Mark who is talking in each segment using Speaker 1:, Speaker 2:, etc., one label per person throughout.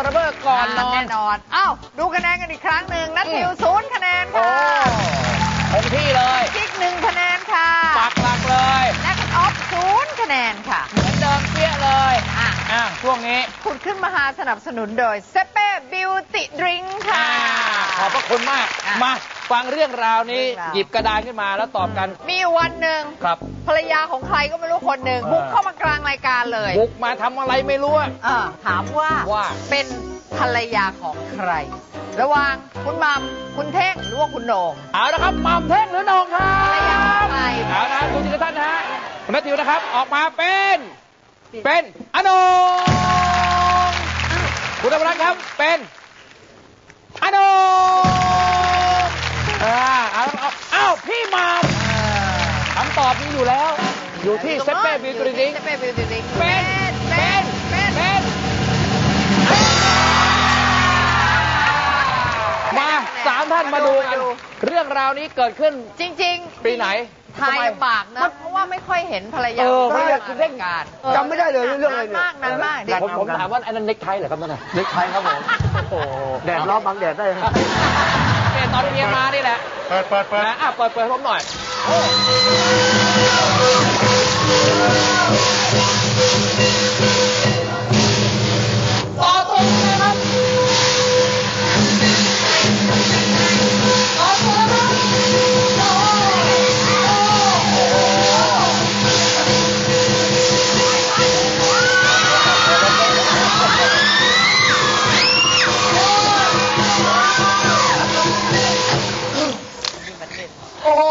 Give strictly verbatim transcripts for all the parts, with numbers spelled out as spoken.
Speaker 1: ระเบิดก่อนนอน
Speaker 2: แน่นอนอ้าวดูคะแนนกันอีกครั้งหนึ่งนัททิวศูนย์คะแนนค่ะ
Speaker 1: คงที่เลย
Speaker 2: กิ๊กหนึ่งคะแนนค่ะ
Speaker 1: ปักหลักเลย
Speaker 2: แน็กออฟศูนย์คะแนนค่ะ
Speaker 1: เหมือนเดิมเปี้ยเลยอ่ะอ่ะช่วงนี้
Speaker 2: คุณขึ้นมาหาสนับสนุนโดยเซเป้บิวตี้ดริงค์ค่ะ
Speaker 1: ขอบพระคุณมากมาฟังเรื่องราวนี้หยิบกระดานขึ้นมาแล้วตอบกัน
Speaker 2: มีวันหนึ่ง
Speaker 1: ครับ
Speaker 2: ภรรยาของใครก็ไม่รู้คนหนึ่งบุกเข้ามากลางรายการเลย
Speaker 1: บุกมาทำอะไรไม่รู้อ่ะ
Speaker 2: ถามว่า
Speaker 1: ว่า
Speaker 2: เป็นภรรยาของใครระหว่างคุณมัมคุณเท่งหรือว่าคุณโหน่ง
Speaker 1: เอาละครับมัมเท่งหรือโหน่งครับ
Speaker 2: ภรรยาของใคร
Speaker 1: เอาละดูทีละท่านนะฮะคุณนัททิวนะครับออกมาเป็นเป็นอโหน่งคุณธรรมรัตน์ครับเป็นอโหน่งอ่าเอาเอ้าพี่มัมคำตอบมีอยู่แล้วอยู่ที่เซเป้บิวตี้ดริงค์เป็นเป็นเป็นเป็นมาสามท่านมาดูกันเรื่องราวนี้เกิดขึ้น
Speaker 2: จริงๆ
Speaker 1: ปีไหน
Speaker 2: ทายลำบากนะเพราะว่าไม่ค่อยเห็นภรรยา
Speaker 1: ภรรยาคุณเร่ง
Speaker 2: การ
Speaker 3: จำไม่ได้เลยเรื่องอะไรเนี่ย
Speaker 2: นานมากนานมาก
Speaker 1: ผมผมถามว่าอันนั้นเน็กไทเหรอครับนั่นน่ะ
Speaker 3: เน็กไทครับผมโอ้แดดร้อนบังแดดได้ครับ
Speaker 1: เป็นตอนเมียมานี่แหละ
Speaker 3: เปิดเปิดเปิด
Speaker 1: นะอ่ะเปิดเปิดผมหน่อยต่อตรงเลยครับต่อตรงเลยครับโอ้โห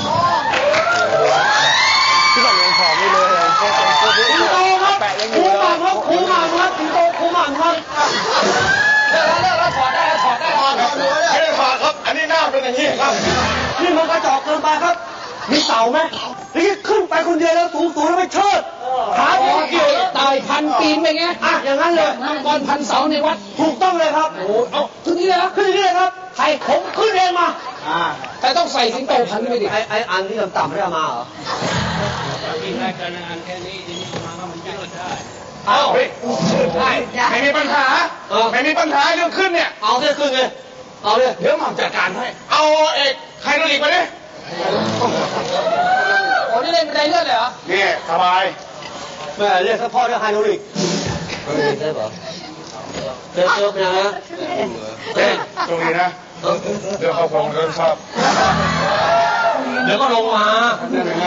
Speaker 3: ที่แบบยังผอมไม่เลย
Speaker 1: สิงโตครับแปะยังอยู่เลยครับคูหม่ำครับสิงโตคูหม่ำครับเลิกแล้วเลิกแล้วถอดได้ถอดได้ถอดครับ
Speaker 3: ไม่ได้ถอดครับอันนี้หน้าเป็นอย่างนี้ครับนี่มันกระจอกเกินไปครับมีเต่าไหมนี่ขึ้นไปคนเดียวแล้วสูงสูงแล้วไปเชิดขาเกี่ยว
Speaker 1: เต่าพันปีนไปไง
Speaker 3: อ่ะอย่างนั้นเลย
Speaker 1: มังกรพันเสาในวัด
Speaker 3: ถูกต้องเลยครับ
Speaker 1: โอ้เอาขึ้นนี่เลย
Speaker 3: ขึ้นนี่เลยครับใครผมขึ้นเองมา
Speaker 1: แต่ต้องใส่สิงโตพันไม่ดิ
Speaker 3: ไอ้ไอ้อันที่ต่ำๆไม่เอามาเหรอ
Speaker 4: กินได้กันอันแค่นี้ทีนี้มาว่ามันยืดได้
Speaker 3: เอาเฮ้ยได้ไม่มีปัญหาไม่มีปัญหาเรื่องขึ้นเนี่ยเอาเรื่องขึ้นเลยเอาเลยเดี๋ยวหม่อมจัดการให้เอาเอกใครโดนอีกไปดิ
Speaker 1: โอ้นี่เล่นบันไดเลื่อนเลยเหรอ
Speaker 3: นี่สบายแม่เรียกเฉพาะเรื่องไฮโดรลิกใช่ปะเจอเจอเป็นยังไงเต้ตรงนี้นะเดี๋ยวเขาคงเริ่มชอบเดี๋ยวก็ลงมาเป็นยังไง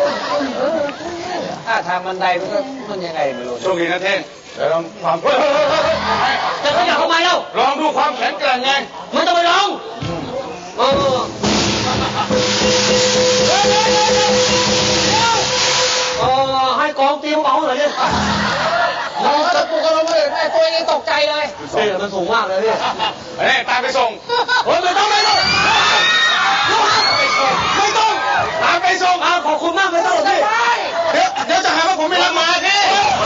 Speaker 1: ถ้าทางบันไดมันก็มันยังไงไม่รู้
Speaker 3: โชคดีนะเท่งเดี๋ยวลองความจะขยับทำไมเล่าลองดูความแข็งแกร่งไงมันจะไปลองเออเออให้กองตีเบาหน่อยดิ
Speaker 1: เราจะปลุกกันลงมาเลยแม่ตัวเองตกใจเลย
Speaker 3: เฮ้ยมันสูงมากเลยพี่เฮ้ยตามไปส่งเฮ้ยไม่ต้องไม่ต้องไม่ต้องตามไปส่งอ่าขอบคุณมากไม่ต้องหรอกพี่เดี๋ยวเดี๋ยวจะหาว่าผมไม่รับมาพี่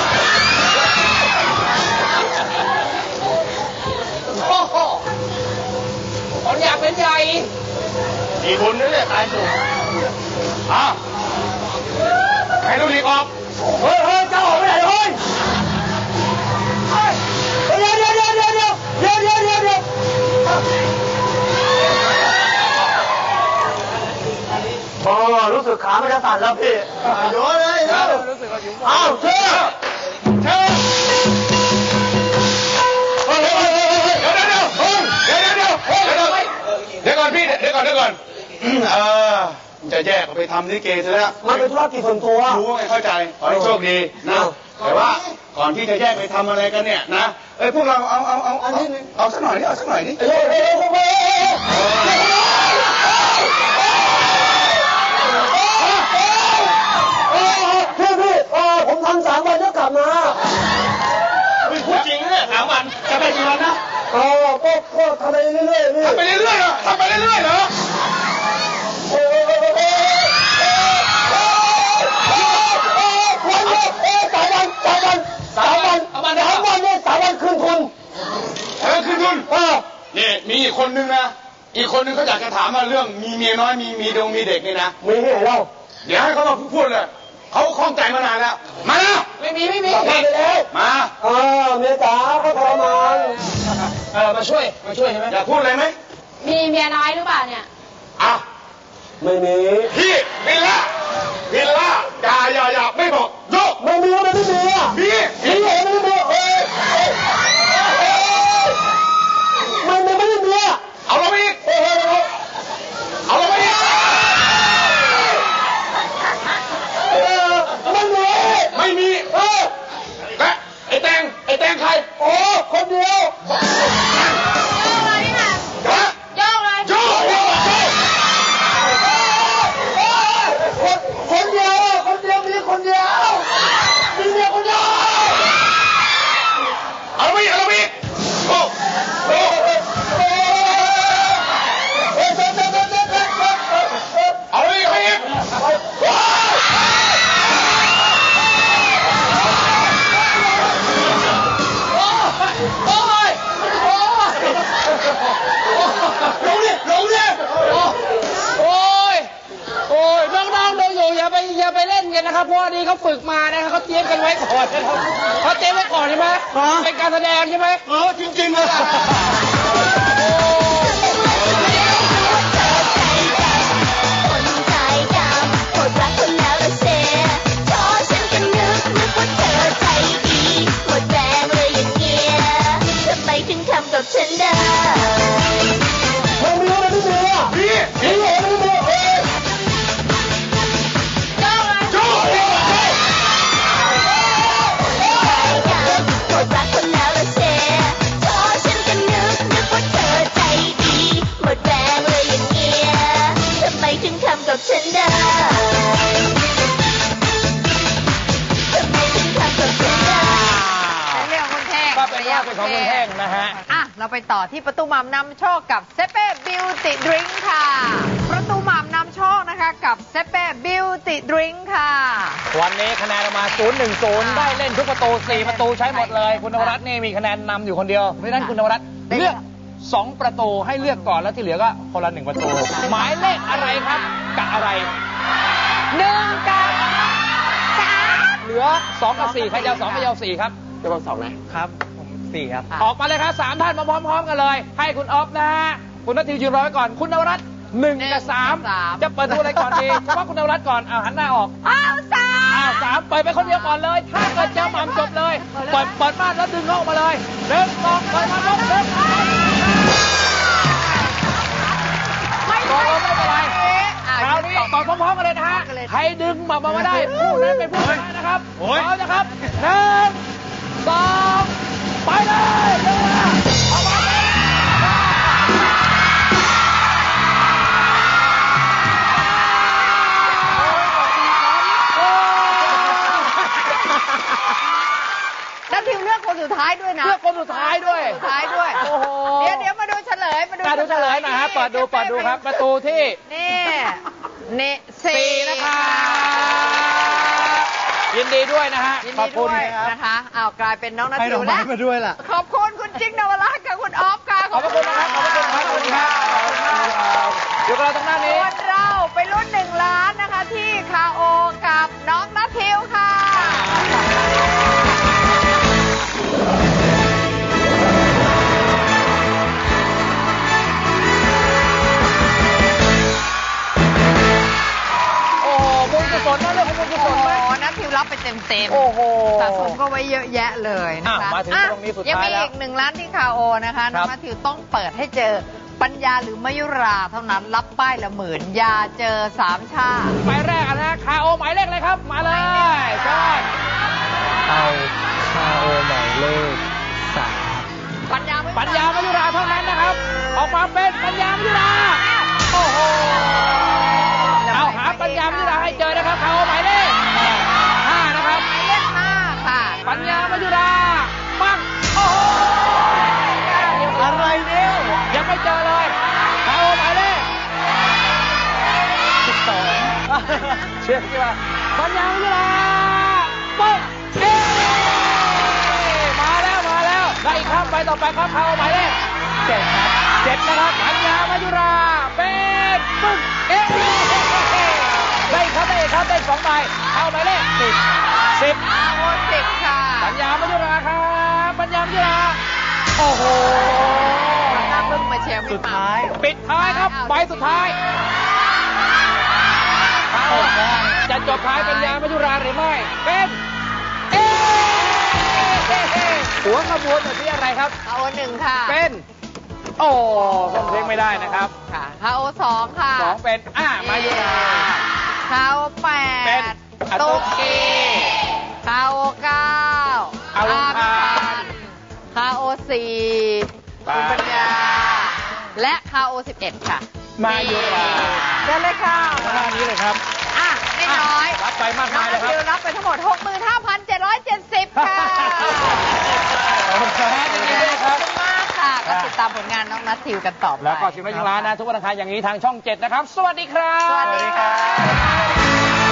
Speaker 1: โอ้โหคนอยากเป็นใหญ่
Speaker 3: มีบุญด้วยเนี่ยตายสูงอ่ะให้ดูดีออกเฮ้ยเฮ้ยเจ้าออกไปไหนเฮ้ยเดี๋ยวเดี๋ยวเดี๋ยวเดี๋ยวเดี๋ยวเดี๋ยวเดี๋ยวเดี๋ยวเดี๋ยวโอ้รู้สึกขาไม่จะสั่นแล้วพี่โยนเลยเร็วอ้าวเชื่อเชื่อเฮ้ยเฮ้ยเฮ้ยเดี๋ยวเดี๋ยวเดี๋ยวเดี๋ยวเดี๋ยวเดี๋ยวเดี๋ยวก่อนพี่เดี๋ยวก่อนเดี๋ยวก่อนเออจะแยกไปทำลิเกซะแล้วมันเป็นธุรกิจส่วนตัวรู้ไงเข้าใจขอให้โชคดีนะแต่ว่าก่อนที่จะแยกไปทำอะไรกันเนี่ยนะเอ้ยพวกเราเอาเอาเอาเอาเอาสักหน่อยนี่เอาสักหน่อยนี่เฮ้ยเฮ้ยเฮ้ยเฮ้ยพี่พี่ผมทำสามวันแล้วกลับมาไม่พูดจริงเนี่ยสามวันจะไปกี่วันนะอ๋อก็ก็ทำไปเรื่อยๆพี่ทำไปเรื่อยๆเหรอทำไปเรื่อยๆเหรอสามวันสามวันสามวันสามวันสามวันเนี่ยสามวันคืนทุนเออคืนทุนเออนี่มีอีกคนนึงนะอีกคนนึงเขาอยากจะถามว่าเรื่องมีเมียน้อยมีมีดงมีเด็กนี่นะมีที่ไหนเล่าเดี๋ยวให้เขามาพูดเลยเขาคล่องใจมานานแล้ว มาแล้ว
Speaker 1: ไม่มีไม่มี
Speaker 3: มาไปแล้วมาเออเมียจ๋าเขาทรมานเออมาช่วยมาช่วยใช่ไหมอยากพูดอะไรไหม
Speaker 5: มีเมียน้อยหรือเปล่าเนี่ย
Speaker 3: อ่ะไม่มีพี่วิลล่าวิลล่าอย่าอย่าอย่าไม่บอกโยกไม่มีไม่มีอ่ะมีมีไม่มีเอ้ยมันไม่ไม่มีอ่ะเอาเราไปอีกเอาเราไปอีกไม่มีไม่มีเออและไอ้แตงไอ้แตงใครโอ้คนเดียว
Speaker 5: โยกเลยนี่ค่ะ
Speaker 3: ฮะ
Speaker 5: โยกเลย
Speaker 3: โยกโยกโยกคนเดียวคนเดียวมีคนเดียวมีเมียคนเดียวเอาไปเอาไปโอ้โอ้เอาไปเอาไปโอ้ยโอ้ยลงดิลงดิ
Speaker 1: โอ้ยโอ้ยน้องๆดูอยู่อย่าไปอย่าไปเล่นกันนะครับเพราะอันนี้เขาฝึกมานะครับเขาเตรียมกันไว้ก่อนนะครับเขาเตรียมไว้ก่อนใช่ไหมเป็นการแสดงใช่ไหม
Speaker 3: เออจริงๆเลย
Speaker 6: คนใจดำหมดรักคนแล้วละเซพอฉันก็นึกนึกว่าเธอใจดีหมดแรงเลยอย่างเงี้ยทำไมถึงทำกับฉันได้
Speaker 3: ไม่มีอะไรไม่มีอ่ะพี่พี่ไม่มีเอ้ย
Speaker 5: โยกเลย
Speaker 3: โจ้โจ้โจ้
Speaker 6: ใจดำหมดรักคนแล้วละเซพอฉันก็นึกนึกว่าเธอใจดีหมดแรงเลยอย่างเงี้ยทำไมถึงทำกับฉันได้ทำไมถึงทำกับฉันได้
Speaker 2: เรื่องคุณเท่ง
Speaker 1: ก็เป็นว่าเป็นของคุณเท่งนะฮะ
Speaker 2: อ่ะ เราไปต่อที่ประตูหม่ำนำโชคกับเซเป้บิวตี้ดริงค์ค่ะ ประตูหม่ำนำโชคนะคะกับเซเป้บิวตี้ดริงค์ค่ะ
Speaker 1: วันนี้คะแนนออกมา ศูนย์หนึ่งศูนย์ ได้เล่นทุกประตู สี่ ประตูใช้หมดเลย คุณนวรัตน์นี่มีคะแนนนำอยู่คนเดียว เพราะฉะนั้นคุณนวรัตน์เลือก สอง ประตูให้เลือกก่อนแล้วที่เหลือก็คนละหนึ่งประตู หมายเลขอะไรครับกับอะไร
Speaker 2: หนึ่งกับสาม
Speaker 1: เหลือสองกับสี่ใครจะเอาสองใครจะเอาสี่ครับ
Speaker 3: จะบอกสองนะครับ
Speaker 1: ผมสี่ครับ ออกมาเลยครับสามท่านมาพร้อมๆกันเลย ให้คุณออฟนะฮะคุณนัทธิวยืนรอไว้ก่อน คุณนวรัตน์หนึ่งกับสามจะเปิดดูอะไรก่อนดีเฉพาะคุณนวรัตน์ก่อนเอาหันหน้าออก
Speaker 2: อ้าวสาม
Speaker 1: อ้าวสามเปิดไปคนเดียวก่อนเลย ถ้าเกิดเจอหม่ำจบเลย เปิดเปิดม่านแล้วดึงเขาออกมาเลยหนึ่งสองเปิดม่านแล้วดึงไม่ไม่เป็นไรคราวนี้ต่อพร้อมๆกันเลยนะฮะใครดึงหม่ำมาได้ผู้นั้นเป็นผู้ชนะนะครับพร้อมนะครับหนึ่งสองไปเลยเร็วนะออกมาเลย
Speaker 2: นัททิวเลือกคนสุดท้ายด้วยนะ
Speaker 1: เลือกคนสุดท้ายด้วย
Speaker 2: สุดท้ายด้วย
Speaker 1: โอ้โห
Speaker 2: เดี๋ยวเดี๋ยวมาดูเฉลยมาดู
Speaker 1: มาดูเฉลยหน่อยครับเปิดดูเปิดดูครับ ประตูที่
Speaker 2: นี่นี่
Speaker 1: สี่
Speaker 2: สี่
Speaker 1: นะครับยินดีด้วยนะฮะ
Speaker 2: ยิน
Speaker 1: ขอ
Speaker 2: ดี
Speaker 1: บคุ
Speaker 2: ด้
Speaker 1: ณ
Speaker 2: วยนะคะอ้าวกลายเป็นน้องนัท
Speaker 3: ให้
Speaker 2: ทิ
Speaker 3: ดอ
Speaker 2: ว
Speaker 3: กไม้
Speaker 2: แล้ว
Speaker 3: มาด้วยล่ะ
Speaker 2: ขอบคุณคุณจิ๊กนวรัตน์กับคุณออฟค่ะ
Speaker 1: ขอบพระคุณนะครับ ขอบพระคุณครับขอบคุณครับขอบคุณครับอยู่กับเราตรงหน้านี้
Speaker 2: ส่วนเราไปรุ่นหนึ่งล้านนะคะที่คาโอกับน้องนัททิวค่ะ
Speaker 1: โอ้โหบุญกุศลนะเรื่องของบุญกุศ
Speaker 2: โอ้
Speaker 1: ล
Speaker 2: โห
Speaker 1: ไหม
Speaker 2: นัททิวรับไปเต็มเต็มๆ
Speaker 1: โอ้โห
Speaker 2: สะสมก็ไว้เยอะแยะเลยนะคะ
Speaker 1: อ่ะมาถึงตรงนี้สุดท้าย
Speaker 2: ยังมี
Speaker 1: แล้ว
Speaker 2: อีกหนึ่งล้านที่คาโอนะคะน้อง
Speaker 1: ครับ
Speaker 2: นัททิวต้องเปิดให้เจอปัญญาหรือมยุราเท่านั้นรับป้ายละหมื่นอย่าเจอสามชาติ
Speaker 1: หมายแรกอะนะคาโอหมายเลขอะไรครับ มาเลยเชิญ
Speaker 7: เอาคาโอหมายเลขสาม
Speaker 2: ปัญญาไม่
Speaker 1: ปัญญามยุราเท่านั้นนะครับ ออกมาเป็นปัญญามยุราโอ้โหเอาหาปัญญามยุราให้เจอนะครับคาโอหมายเลขห้านะครับ
Speaker 2: หมายเลขห้าค่ะ
Speaker 1: ปัญญามยุราปังโอ้โหอะไรเนี่ยยังไม่เจอเลยคาโอหมายเลขสิบสองเชื่อใช่ไหมปัญญามยุราปุ๊บเอ๊มาแล้วมาแล้วได้อีกครับไปต่อไปครับคาโอหมายเลขเจ็ดครับเจ็ดนะครับปัญญามยุราเป็นปึ๊กเอ๊ได้อีกครับได้อีกครับได้สองใบคาโอหมายเลขญามัจจุราครับปัญญามัจจุราโอ้โห
Speaker 2: น่าเพิ่งมาเชียร์พี่
Speaker 7: สุด
Speaker 2: หม่ำ
Speaker 7: ท้าย
Speaker 1: ปิดท้ายครับใบสุดท้ายเอาจะจบท้ายปัญญามัจจุราหรือไม่เป็นเอ๊ะหัวขบวนอยู่ที่อะไรครับ
Speaker 2: ฮาโอหนึ่งค่ะ
Speaker 1: เป็น โอ้ส่งเพลงไม่ได้นะครับ
Speaker 2: ค่ะฮาโอสองค่ะ
Speaker 1: สองเป็นอ่ามายุรา
Speaker 2: ฮาโอแป
Speaker 1: เป็น
Speaker 2: ด
Speaker 1: อะ
Speaker 2: ตุ๊
Speaker 1: ตุ๊
Speaker 2: ก
Speaker 1: ก
Speaker 2: กี้ฮาโอเก้า
Speaker 1: อารมณ์พัน
Speaker 2: ฮาโอสี่
Speaker 1: ไป
Speaker 2: คุณปัญญา และฮาโอสิบเอ็ดค่ะ
Speaker 1: มายุรา
Speaker 2: เดินเลยค่ะ
Speaker 1: ข้างหน้านี้เลยครับ
Speaker 2: อ่ะไม่น้อย
Speaker 1: รับไปมาก
Speaker 2: น้อ
Speaker 1: มาง ยเลยค
Speaker 2: นัท
Speaker 1: รับ
Speaker 2: ธิวรับไปทั้งหมด หกหมื่นห้าพันเจ็ดร้อยเจ็ดสิบ ค่ะ
Speaker 1: ขอบคุณครับยินดีด้วยครับ
Speaker 2: ขอบคุณมากค่ะ ก็ติดตามผลงานน้องนัททิวกันต่อไป
Speaker 1: แล้วก็ชิมได้ชิมร้านนะ ทุกวันอังคารอย่างนี้ทางช่องเจ็ดนะครับ สวัสดีครับ
Speaker 2: สวัสดีค่ะ